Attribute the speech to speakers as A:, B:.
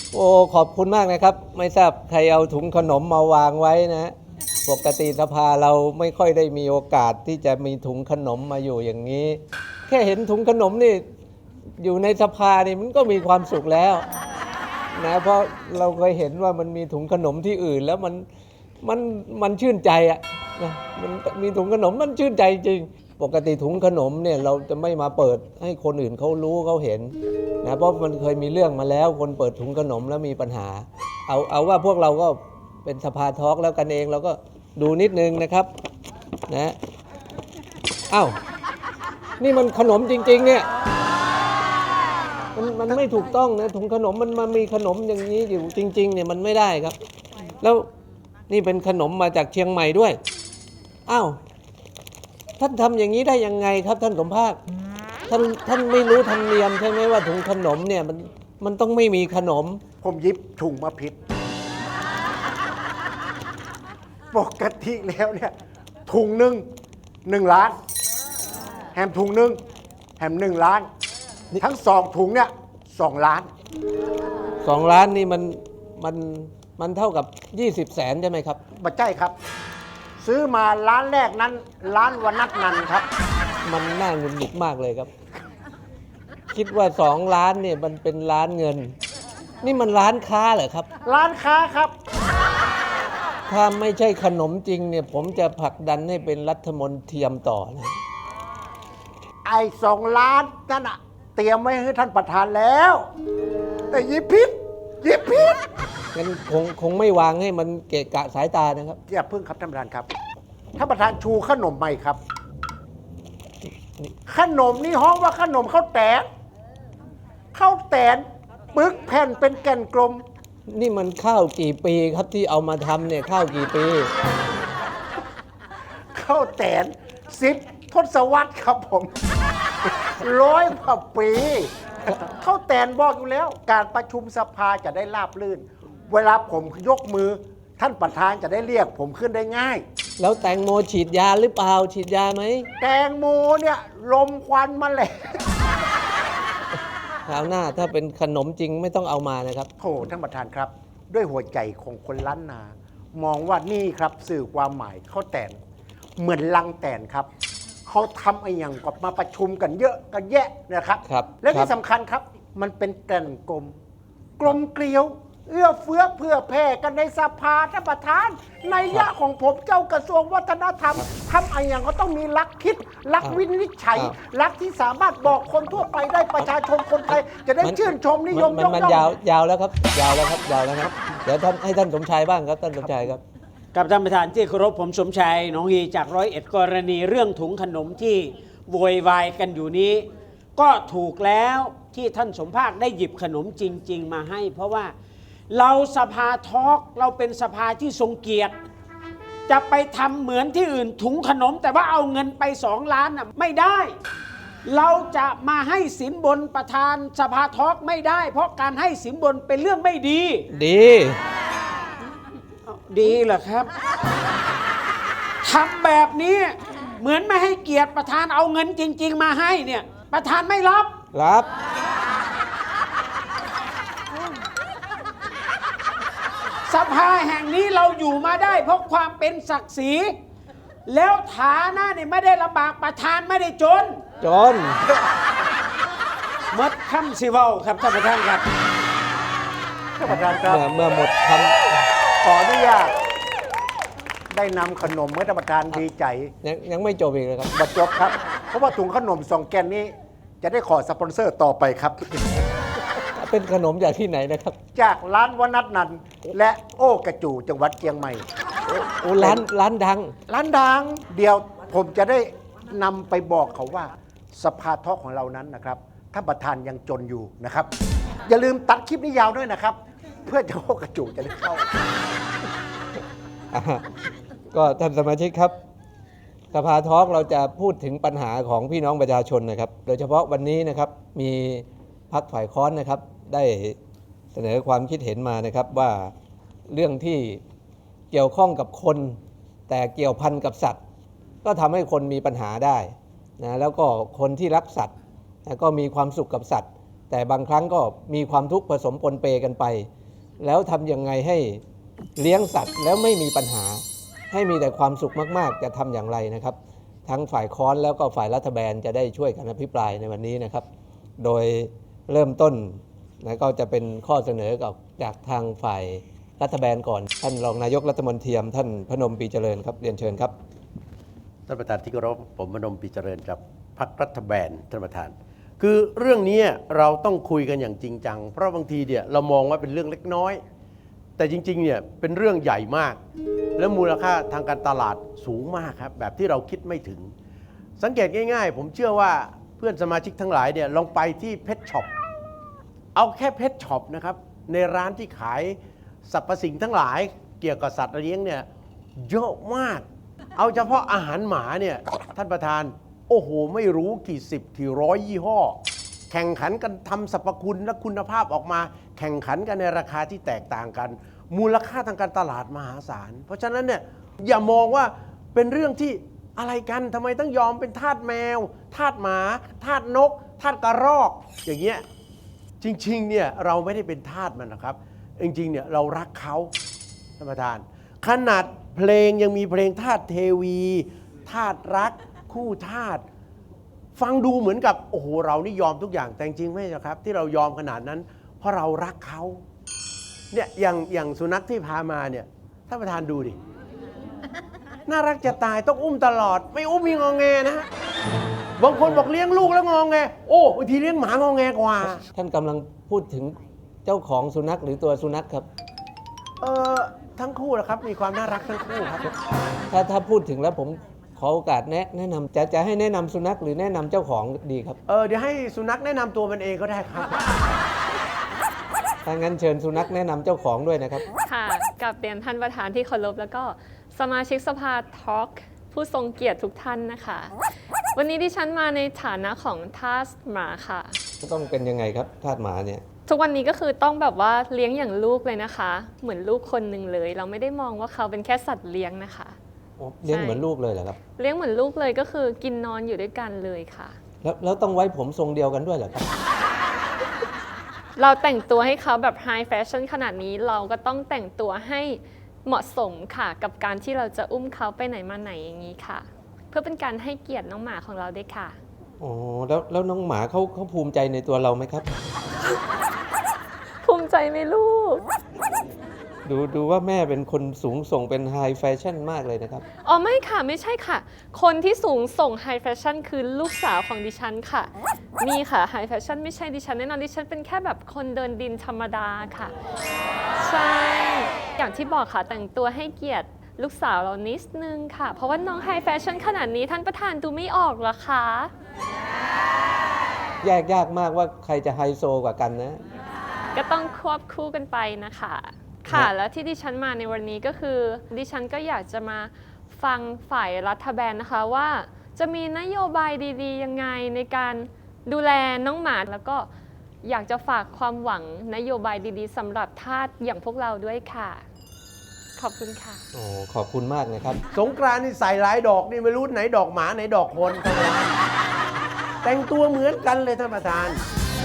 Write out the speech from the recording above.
A: โอ้ขอบคุณมากนะครับไม่ทราบใครเอาถุงขนมมาวางไว้นะปกติสภาเราไม่ค่อยได้มีโอกาสที่จะมีถุงขนมมาอยู่อย่างนี้แค่เห็นถุงขนมนี่อยู่ในสภานี่มันก็มีความสุขแล้วนะเพราะเราเคยเห็นว่ามันมีถุงขนมที่อื่นแล้วมันชื่นใจอ่ะนะมันมีถุงขนมมันชื่นใจจริงปกติถุงขนมเนี่ยเราจะไม่มาเปิดให้คนอื่นเขารู้เขาเห็นนะเพราะมันเคยมีเรื่องมาแล้วคนเปิดถุงขนมแล้วมีปัญหาเอาว่าพวกเราก็เป็นสภาทอล์กแล้วกันเองเราก็ดูนิดนึงนะครับนะอ้าวนี่มันขนมจริงๆเนี่ยมันไม่ถูกต้องนะถุงขนมมันมีขนมอย่างนี้อยู่จริงๆเนี่ยมันไม่ได้ครับแล้วนี่เป็นขนมมาจากเชียงใหม่ด้วยอ้าวท่านทำอย่างนี้ได้ยังไงครับท่านสมภาคท่านไม่รู้ธรรมเนียมใช่ไหมว่าถุงขนมเนี่ยมันต้องไม่มีขนม
B: ผมยิบถุงมาผิดปกติแล้วเนี่ยถุงหนึ่ง1 ล้านแฮมถุงหนึ่งแฮม1 ล้านทั้ง2 ถุงเนี่ย2 ล้าน
A: 2 ล้านนี่มันเท่ากับ20 แสนใช่ไหมครับ
B: บัจใจครับซื้อมาร้านแรกนั้นร้านวนัทนันครับ
A: มันน่าหงุดหงิดมากเลยครับคิดว่า2 ล้านเนี่ยมันเป็นล้านเงินนี่มันร้านค้าเหรอครับ
B: ร้านค้าครับ
A: ถ้าไม่ใช่ขนมจริงเนี่ยผมจะผลักดันให้เป็นรัฐมนตรีต่อนะ
B: ไอ้2 ล้านนั่นอะเตรียมไว้ให้ท่านประธานแล้วแต่ยิบผิด
A: งั้นคงไม่วางให้มันเกะกะสายตานะครับ
B: อย่าพึ่งครับท่านประธานครับท่านประธานชูขนมใหม่ครับขนมนี่ห้องว่าขนมข้าวแตนปึกแผ่นเป็นแก่นกลม
A: นี่มันข้าวกี่ปีครับที่เอามาทำเนี่ยข้าวกี่ปี
B: ข้าวแตน10 ทศวรรษครับผม100 กว่าปีข้าวแตนบอกอยู่แล้วการประชุมสภาจะได้ราบรื่นเวลาผมยกมือท่านประธานจะได้เรียกผมขึ้นได้ง่าย
A: แล้วแตงโมฉีดยาหรือเปล่าฉีดยาไหม
B: แตงโมเนี่ยลมควันมาเลย
A: คราวหน้าถ้าเป็นขนมจริงไม่ต้องเอามานะครับ
B: โอ้ท่านประธานครับด้วยหัวใจของคนล้านนามองว่านี่ครับสื่อความหมายข้าวแตนเหมือนลังแตนครับเขาทำไอ้อย่างกับมาประชุมกันเยอะกันแยะนะครับและที่สำคัญครับมันเป็นแก่นกลมเกลียวเอื้อเฟื้อเพื่อแผ่กันในสภาท่านประธานในยะของผมเจ้ากระทรวงวัฒนธรรมทำไอ้อย่างก็ต้องมีลักคิดลักวินิจฉัยลักที่สามารถบอกคนทั่วไปได้ประชาชนคนไทยจะได้ชื่นชมนิยมยกย่อง
A: มันยาวแล้วครับยาวแล้วครับเดี๋ยวให้ท่านสมชายบ้างครับท่านสมชายครับ
C: กับท่านประธานที่เคารพผมสมชายหนองฮีจาก101กรณีเรื่องถุงขนมที่โวยวายกันอยู่นี้ก็ถูกแล้วที่ท่านสมภาคได้หยิบขนมจริงๆมาให้เพราะว่าเราสภาทอล์กเราเป็นสภาที่ทรงเกียรติจะไปทำเหมือนที่อื่นถุงขนมแต่ว่าเอาเงินไป2 ล้านน่ะไม่ได้เราจะมาให้สินบนประธานสภาทอล์กไม่ได้เพราะการให้สินบนเป็นเรื่องไม่ดีดีเหรอครับทำแบบนี้เหมือนไม่ให้เกียรติประธานเอาเงินจริงๆมาให้เนี่ยประธานไม่รับสภาแห่งนี้เราอยู่มาได้เพราะความเป็นศักดิ์ศรีแล้วฐานะเนี่ยไม่ได้ลำบากประธานไม่ได้จนมดคำสิเว้าครับท่านประธานครับ
B: ท่านประธานครับ
A: เมื่อหมดค
B: ำขออนุญาตได้นำขนมให้ท่านประธานดีใจ
A: ยังไม่จบอีกเลยครับ
B: บัดจบครับเพราะว่าถุงขนม2 แกนนี้จะได้ขอสปอนเซอร์ต่อไปครับ
A: เป็นขนมจากที่ไหนนะครับ
B: จากร้านวนัทนันและโอ้กระจูจังหวัดเชียงใหม่
A: โอ้ร้านดัง
B: เดี๋ยวผมจะได้นำไปบอกเขาว่าสภาทอล์กของเรานั้นนะครับท่านประธานยังจนอยู่นะครับอย่าลืมตัดคลิปนี้ยาวด้วยนะครับเพื่อจะโอ้กระจูจะได้เข้า
A: ก็ท่านสมาชิกครับสภาทอล์กเราจะพูดถึงปัญหาของพี่น้องประชาชนนะครับโดยเฉพาะวันนี้นะครับมีพรรคฝ่ายค้านนะครับได้เสนอความคิดเห็นมานะครับว่าเรื่องที่เกี่ยวข้องกับคนแต่เกี่ยวพันกับสัตว์ก็ทำให้คนมีปัญหาได้นะแล้วก็คนที่รักสัตว์ก็มีความสุขกับสัตว์แต่บางครั้งก็มีความทุกข์ผสมปนเปกันไป แล้วทำยังไงให้เลี้ยงสัตว์แล้วไม่มีปัญหา ให้มีแต่ความสุขมากๆจะทำอย่างไรนะครับ ทั้งฝ่ายค้อนแล้วก็ฝ่ายรัฐบาลจะได้ช่วยกันอภิปรายในวันนี้นะครับ โดยเริ่มต้นนะก็จะเป็นข้อเสนอจากทางฝ่ายรัฐบาลก่อนท่านรองนายกรัฐมนตรีท่านพนมปรีเจริญครับเรียนเชิญครับ
D: ท่านประธานที่เคารพผมพนมปรีเจริญจากพรรครัฐบาลท่านประธาน คือเรื่องนี้เราต้องคุยกันอย่างจริงจังเพราะบางทีเนี่ยเรามองว่าเป็นเรื่องเล็กน้อย แต่จริงๆเนี่ยเป็นเรื่องใหญ่มาก และมูลค่าทางการตลาดสูงมากครับแบบที่เราคิดไม่ถึง สังเกตง่ายๆผมเชื่อว่าเพื่อนสมาชิกทั้งหลายเนี่ยลองไปที่เพชช็อปเอาแค่เพชช็อปนะครับในร้านที่ขายสรรพสิ่งทั้งหลายเกี่ยวกับสัตว์เลี้ยงเนี่ยเยอะมาก เอาเฉพาะอาหารหมาเนี่ยท่านประธานโอ้โหไม่รู้กี่สิบกี่ร้อยยี่ห้อแข่งขันกันทำสรรพคุณและคุณภาพออกมาแข่งขันกันในราคาที่แตกต่างกันมูลค่าทางการตลาดมหาศาลเพราะฉะนั้นเนี่ยอย่ามองว่าเป็นเรื่องที่อะไรกันทำไมต้องยอมเป็นทาสแมวทาสหมาทาสนกทาสกระรอกอย่างเงี้ยจริงๆเนี่ยเราไม่ได้เป็นทาสมันนะครับจริงๆเนี่ยเรารักเขาท่านประธานขนาดเพลงยังมีเพลงทาสเทวีทาสรักคู่ทาสฟังดูเหมือนกับโอ้โหเรานี่ยอมทุกอย่างแต่จริงๆไม่ใช่ครับที่เรายอมขนาดนั้นเพราะเรารักเขาเนี่ยอย่างสุนัขที่พามาเนี่ยท่านประธานดูดิน่ารักจะตายต้องอุ้มตลอดไม่อุ้มมีงอแงนะฮะบางคนบอกเลี้ยงลูกแล้วงอแงโอ้บางทีเลี้ยงหมางอแงกว่า
A: ท่านกำลังพูดถึงเจ้าของสุนัขหรือตัวสุนัขครับ
D: ทั้งคู่นะครับมีความน่ารักทั้งคู่ครับ
A: ถ้าพูดถึงแล้วผมขอโอกาสแนะนำจะให้แนะนำสุนัขหรือแนะนำเจ้าของดีครับ
D: เดี๋ยวให้สุนัขแนะนำตัวมันเองก็ได้ครับ
A: ถ้างั้นเชิญสุนัขแนะนำเจ้าของด้วยนะครับ
E: ค่ะกับเรียนท่านประธานที่เคารพแล้วก็สมาชิกสภาทอล์กผู้ทรงเกียรติทุกท่านนะคะ วันนี้ดิฉันมาในฐานะของทาสหมาค่ะ
A: ต้องเป็นยังไงครับทาสหมาเนี่ย
E: ทุกวันนี้ก็คือต้องแบบว่าเลี้ยงอย่างลูกเลยนะคะ เหมือนลูกคนหนึ่งเลย เราไม่ได้มองว่าเขาเป็นแค่สัตว์เลี้ยงนะคะ
A: เลี้ยงเหมือนลูกเลยเหรอครับ
E: เลี้ยงเหมือนลูกเลยก็คือกินนอนอยู่ด้วยกันเลยค่ะ
A: แล้วต้องไว้ผมทรงเดียวกันด้วยเหรอครับ
E: เราแต่งตัวให้เขาแบบไฮแฟชั่นขนาดนี้เราก็ต้องแต่งตัวให้เหมาะสมค่ะ กับการที่เราจะอุ้มเขาไปไหนมาไหนอย่างนี้ค่ะ เพื่อเป็นการให้เกียรติน้องหมาของเราด้วยค่ะ
A: อ๋อแล้วน้องหมาเขาภูมิใจในตัวเราไหมครับ
E: ภูมิใจไหมลูก
A: ดูว่าแม่เป็นคนสูงส่งเป็นไฮแฟชั่นมากเลยนะครับ
E: อ๋อไม่ค่ะไม่ใช่ค่ะ คนที่สูงส่งไฮแฟชั่นคือลูกสาวของดิฉันค่ะนี่ค่ะไฮแฟชั่นไม่ใช่ดิฉันแน่นอนดิฉันเป็นแค่แบบคนเดินดินธรรมดาค่ะ ใช่อย่างที่บอกค่ะแต่งตัวให้เกียรติลูกสาวเรานิดนึงค่ะ เพราะว่าน้องไฮแฟชั่นขนาดนี้ท่านประธานดูไม่ออกเหรอคะ
A: แยกยากมากว่าใครจะไฮโซกว่ากันนะ
E: ก็ต้องควบคู่กันไปนะคะค่ะแล้วที่ดิฉันมาในวันนี้ก็คือดิฉันก็อยากจะมาฟังฝ่ายรัฐบาลนะคะว่าจะมีนโยบายดีๆยังไงในการดูแลน้องหมาแล้วก็อยากจะฝากความหวังนโยบายดีๆสำหรับทาสอย่างพวกเราด้วยค่ะ ขอบคุณค่ะ
A: โอ้ขอบคุณมากนะครับ
D: สงกรานต์นี่ใส่หลายดอกนี่ไม่รู้ไหนดอกหมาไหนดอกคนท่านประธานแต่งตัวเหมือนกันเลยท่านประธาน